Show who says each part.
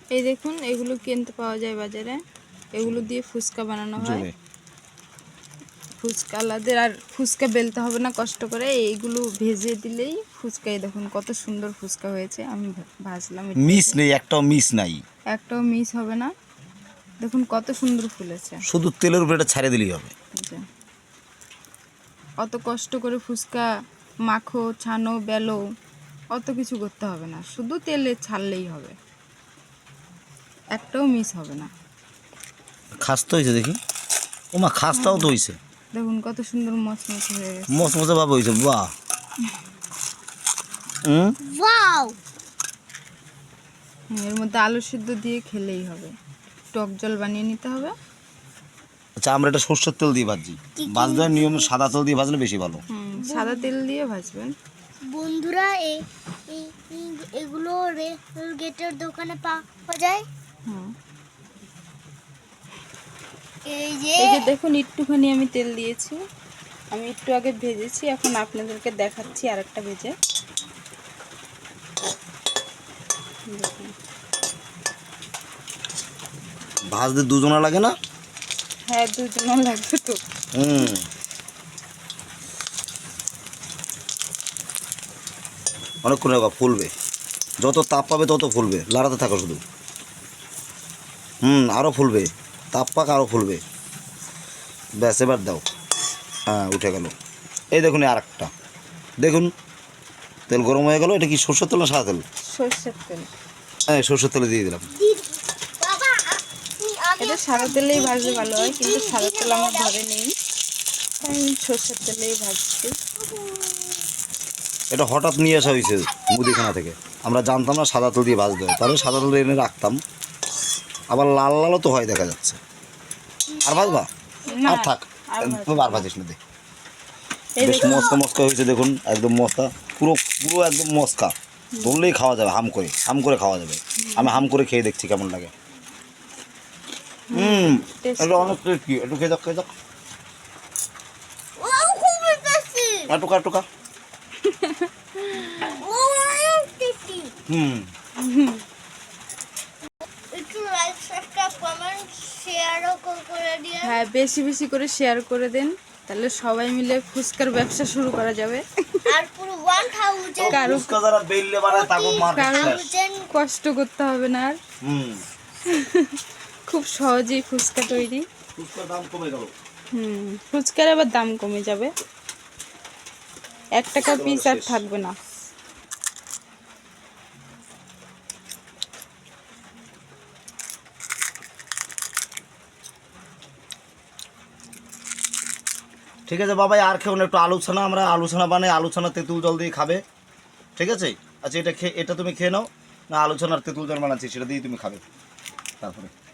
Speaker 1: এই দেখুন এগুলো কিনতে পাওয়া যায় বাজারে, এগুলো দিয়ে ফুচকা বানানো হয়। ফুচকা আলাদের আর ফুচকা বেলতে হবে না কষ্ট করে, এইগুলো ভেজে দিলেই ফুচকা। এই দেখুন কত সুন্দর ফুচকা হয়েছে, আমি ভাজলাম।
Speaker 2: মিস নেই, একটাও মিস নাই,
Speaker 1: একটাও মিস হবে না। দেখুন কত সুন্দর ফুলেছে,
Speaker 2: শুধু তেলের উপরে এটা ছাড়িয়ে দিলেই হবে।
Speaker 1: অত কষ্ট করে ফুচকা মাখো, ছানো, বেলো, অত কিছু করতে হবে না, শুধু তেলে ছাড়লেই হবে, একটাও মিস হবে না।
Speaker 2: খাস্তা হয়েছে দেখি, ও মা খাস্তাও তো হয়েছে,
Speaker 1: দেখুন কত সুন্দর মচমচে হয়ে গেছে,
Speaker 2: মচমচে ভাব হয়েছে। বাহ,
Speaker 1: এর মধ্যে আলু সিদ্ধ দিয়ে খেলেই হবে, টক জল বানিয়ে নিতে হবে।
Speaker 2: আচ্ছা, আমরা এটা সর্ষের তেল দিয়ে ভাজি, ভাজতে নিয়ম সাদা তেল দিয়ে ভাজলে বেশি ভালো।
Speaker 1: সাদা তেল দিয়ে ভাজবেন।
Speaker 3: বন্ধুরা এগুলো রেল গেটের দোকানে পাওয়া যায়। এই যে
Speaker 1: দেখুন একটুখানি আমি তেল দিয়েছি, আমি একটু আগে ভেজেছি, এখন আপনাদেরকে দেখাচ্ছি আরেকটা ভেজে।
Speaker 2: ভাজতে দুজনা লাগে না?
Speaker 1: হ্যাঁ, দুজনও লাগবে তো।
Speaker 2: অনেকক্ষণ ফুলবে, যত তাপ পাবে তত ফুলবে, লাড়াতে থাকো শুধু। আরও ফুলবে, তাপ পাক আরও ফুলবে। ব্যাস, এবার দাও। হ্যাঁ, উঠে গেল। এই দেখুন আর একটা, দেখুন তেল গরম হয়ে গেল। এটা কি সরষের তেল না সাদা তেল?
Speaker 1: সরষের তেল।
Speaker 2: হ্যাঁ, সরষের তেলে দিয়ে দিলাম।
Speaker 1: এটা সাদা তেলেই ভাজলে ভালো হয়, কিন্তু সাদা তেল আমার ঘরে নেই, আমি সরষের তেলেই ভাজছি।
Speaker 2: এটা হঠাৎ নিয়ে আসা হয়েছে মুদিখানা থেকে, আমরা জানতাম না সাদা তেল দিয়ে ভাজতে হয়, তাহলে সাদা তেল এনে রাখতাম। আবার লাল লালও তো হয় দেখা যাচ্ছে। আর ভাজবা? আর থাক, আর ভাজিস না। দেখ বেশ মস্কা মস্কা হয়েছে, দেখুন একদম মস্কা, পুরো পুরো একদম মস্কা, ধরলেই খাওয়া যাবে, হাম করে খাওয়া যাবে। আমি হাম করে খেয়ে দেখছি কেমন লাগে। এটা অনেক টেস্টি, একটু খেয়ে যাক, টুকা
Speaker 1: হ্যাঁ, বেশি বেশি করে শেয়ার করে দেন, তাহলে সবাই মিলে ফুচকার ব্যবসা শুরু করা যাবে।
Speaker 3: আর পুরো 1000
Speaker 1: কারো কষ্ট করতে হবে না আর, খুব সহজেই ফুচকা তৈরি। ফুচকার আবার দাম কমে যাবে, 1 টাকা পিস আর থাকবে না।
Speaker 2: ঠিক আছে বাবাই, আর খেও না, একটু আলোচনা, আমরা আলোচনা বানাই, আলোচনা তেঁতুল জল দিয়ে খাবে, ঠিক আছে? আচ্ছা, এটা তুমি খেয়ে নাও না, আলোচনার তেঁতুল জল বানাচ্ছি সেটা দিয়ে তুমি খাবে তারপরে।